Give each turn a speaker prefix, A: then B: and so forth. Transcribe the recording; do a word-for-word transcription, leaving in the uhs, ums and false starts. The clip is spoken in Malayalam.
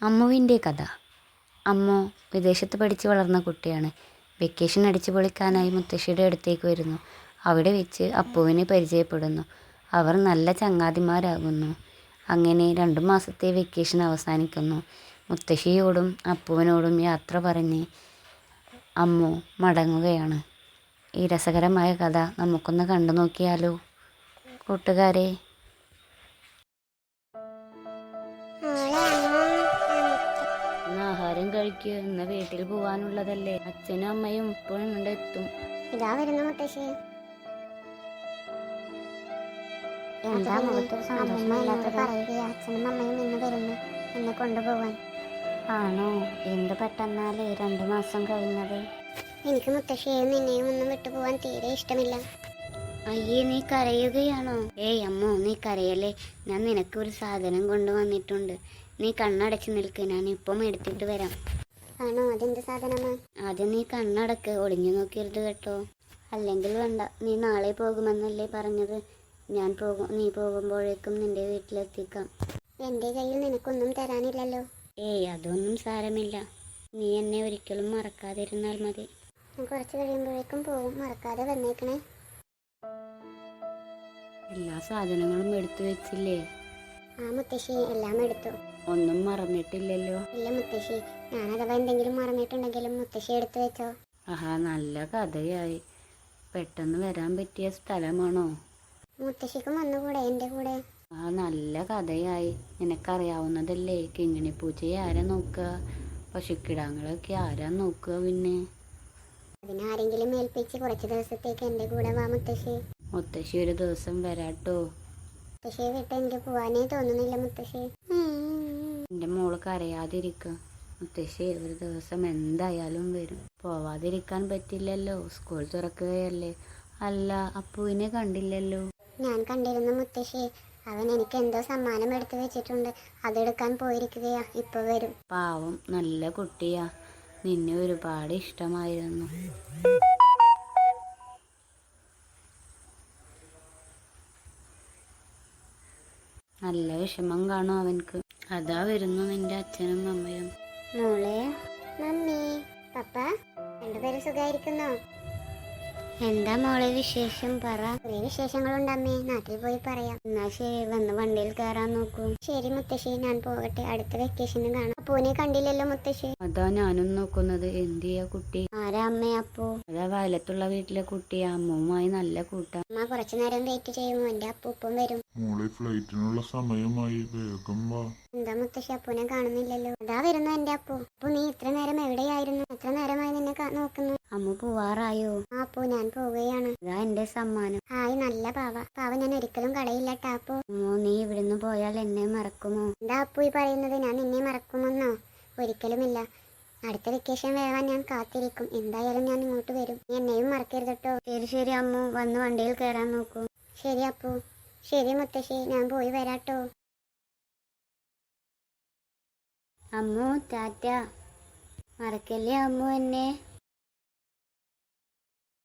A: അമ്മുവിൻ്റെ കഥ. അമ്മു വിദേശത്ത് പഠിച്ച് വളർന്ന കുട്ടിയാണ്. വെക്കേഷൻ അടിച്ചു പൊളിക്കാനായി മുത്തശ്ശിയുടെ അടുത്തേക്ക് വരുന്നു. അവിടെ വെച്ച് അപ്പുവിനെ പരിചയപ്പെടുന്നു. അവർ നല്ല ചങ്ങാതിമാരാകുന്നു. അങ്ങനെ രണ്ടു മാസത്തെ വെക്കേഷൻ അവസാനിക്കുന്നു. മുത്തശ്ശിയോടും അപ്പുവിനോടും യാത്ര പറഞ്ഞ് അമ്മു മടങ്ങുകയാണ്. ഈ രസകരമായ കഥ നമുക്കൊന്ന് കണ്ടു നോക്കിയാലോ കൂട്ടുകാരെ. ആഹാരം കഴിക്കുക, ഇന്ന് വീട്ടിൽ പോവാനുള്ളതല്ലേ. അച്ഛനും അമ്മയും ഇപ്പോഴും ഇവിടെ എത്തും.
B: ഇതാ വരുന്നു മുത്തശ്ശി. എന്താ മുഖത്തൊരു സന്തോഷമില്ലാത്തത്? പറയുകയാ അച്ഛനും അമ്മയും ഇന്ന് വരുന്നു എന്നെ കൊണ്ടുപോവാൻ.
A: ആണോ? എന്ത് പെട്ടെന്നാലേ രണ്ടു മാസം കഴിഞ്ഞത്.
B: എനിക്ക് മുത്തശ്ശിയെയും നിന്നെയും ഒന്നും വിട്ടുപോവാൻ തീരെ ഇഷ്ടമില്ല.
A: അയ്യേ, നീ കരയുകയാണോ? ഏയ് അമ്മോ, നീ കരയല്ലേ. ഞാൻ നിനക്ക് ഒരു സാധനം കൊണ്ടുവന്നിട്ടുണ്ട്. നീ കണ്ണടച്ച് നിൽക്ക്, ഞാൻ ഇപ്പം എടുത്തിട്ട് വരാം.
B: ആണോ? അതെന്ത് സാധനമാ?
A: ആദ്യം നീ കണ്ണടക്ക്, ഒളിഞ്ഞു നോക്കരുത് കേട്ടോ. അല്ലെങ്കിൽ വേണ്ട, നീ നാളെ പോകുമെന്നല്ലേ പറഞ്ഞത്. ഞാൻ പോകും നീ പോകുമ്പോഴേക്കും നിന്റെ വീട്ടിലെത്തിക്കാം.
B: എന്റെ കയ്യിൽ നിനക്കൊന്നും തരാനില്ലല്ലോ.
A: ഏയ് അതൊന്നും സാരമില്ല. നീ എന്നെ ഒരിക്കലും മറക്കാതിരുന്നാൽ മതി.
B: ഞാൻ കുറച്ച് കഴിയുമ്പോഴേക്കും പോകും, മറക്കാതെ വന്നേക്കണേ.
A: എല്ലാ സാധനങ്ങളും എടുത്തു വെച്ചില്ലേ?
B: ആ മുത്തശ്ശി, എല്ലാം എടുത്തു.
A: ഒന്നും മറന്നിട്ടില്ലല്ലോ?
B: ഇല്ല മുത്തശ്ശി, ഞാൻ അഥവാ എന്തെങ്കിലും മറന്നിട്ടുണ്ടെങ്കിലും മുത്തശ്ശി എടുത്തു വെച്ചോ.
A: ആഹാ, നല്ല കഥയായി. പെട്ടെന്ന് വരാൻ പറ്റിയ സ്ഥലമാണോ?
B: മുത്തശ്ശിക്കും വന്നുകൂടെ എന്റെ കൂടെ?
A: ആ, നല്ല കഥയായി. നിനക്കറിയാവുന്നതല്ലേ. കിങ്ങിണി പൂച്ചയെ ആരാ നോക്കുക? പശുക്കിടാങ്ങളൊക്കെ ആരാ നോക്കുക? പിന്നെ
B: അതിനാരെങ്കിലും ഏൽപ്പിച്ച് കുറച്ച് ദിവസത്തേക്ക് എന്റെ കൂടെ വാ മുത്തശ്ശി.
A: മുത്തശ്ശി ഒരു ദിവസം വരാട്ടോ.
B: മുത്തശ്ശിയെ വിട്ട് എനിക്ക് പോവാനേ തോന്നുന്നില്ല മുത്തശ്ശി.
A: എന്റെ മോള് കരയാതിരിക്ക. മുത്തശ്ശി ഒരു ദിവസം എന്തായാലും വരും. പോവാതിരിക്കാൻ പറ്റില്ലല്ലോ, സ്കൂൾ തുറക്കുകയല്ലേ. അല്ല, അപ്പുവിനെ കണ്ടില്ലല്ലോ?
B: ഞാൻ കണ്ടിരുന്നു മുത്തശ്ശി. അവൻ എനിക്ക് എന്തോ സമ്മാനം എടുത്തു വെച്ചിട്ടുണ്ട്, അതെടുക്കാൻ പോയിരിക്കുകയാ. ഇപ്പൊ വരും.
A: പാവം, നല്ല കുട്ടിയാ. നിന്നെ ഒരുപാട് ഇഷ്ടമായിരുന്നു. നല്ല വിഷമം കാണും അവൻക്ക്. അതാ വരുന്നു നിന്റെ അച്ഛനും അമ്മയും.
B: മോളെ, മമ്മി, പപ്പ, രണ്ടുപേരും സുഖായിരിക്കുന്നോ?
A: എന്താ മോളെ വിശേഷം? പറ.
B: കുറേ വിശേഷങ്ങളുണ്ട് അമ്മേ, നാട്ടിൽ പോയി പറയാം.
A: എന്നാ ശരി, വന്ന് വണ്ടിയിൽ കയറാൻ നോക്കൂ.
B: ശരി മുത്തശ്ശി, ഞാൻ പോകട്ടെ. അടുത്ത വെക്കേഷന് കാണാം. അപ്പൂനെ കണ്ടില്ലല്ലോ മുത്തശ്ശി?
A: അതാ ഞാനും നോക്കുന്നത്. എന്തിയാ കുട്ടി?
B: ആരാ അമ്മേ അപ്പു?
A: അതാ വയലത്തുള്ള വീട്ടിലെ കുട്ടിയാ. അമ്മുമായി നല്ല കൂട്ടാ.
B: അമ്മ കുറച്ചു നേരം വെയിറ്റ് ചെയ്യുമോ? എന്റെ അപ്പൂപ്പം വരും.
C: മോളെ, ഫ്ലൈറ്റിനുള്ള സമയമായി, വേഗം വാ.
B: എന്താ മുത്തശ്ശി, അപ്പൂനെ കാണുന്നില്ലല്ലോ? അതാ വരുന്നു എന്റെ അപ്പു. അപ്പു, നീ ഇത്ര നേരം എവിടെയായിരുന്നു? എത്ര നേരമായി നിന്നെ നോക്കുന്നു?
A: അമ്മു പോവാറായോ?
B: ആ അപ്പു, ഞാൻ പോവുകയാണ്.
A: അതാ എന്റെ സമ്മാനം.
B: ഹായ്, നല്ല പാവ. പാവ ഞാൻ ഒരിക്കലും കളയില്ല ടാപ്പു.
A: അമ്മു, നീ ഇവിടുന്ന് പോയാൽ എന്നെ മറക്കുമോ?
B: എന്താ അപ്പു ഈ പറയുന്നത്? ഞാൻ നിന്നെ മറക്കുമെന്നോ? ഒരിക്കലുമില്ല. അടുത്ത വെക്കേഷൻ വരാൻ ഞാൻ കാത്തിരിക്കും. എന്തായാലും ഞാൻ ഇങ്ങോട്ട് വരും. നീ എന്നെയും മറക്കരുത് കേട്ടോ.
A: ശരി ശരി അമ്മു, വന്ന് വണ്ടിയിൽ കയറാൻ നോക്കൂ.
B: ശരി അപ്പു. ശരി മുത്തശ്ശി, ഞാൻ പോയി വരാട്ടോ.
A: അമ്മു, ടാറ്റ. മറക്കല്ലേ അമ്മു എന്നെ.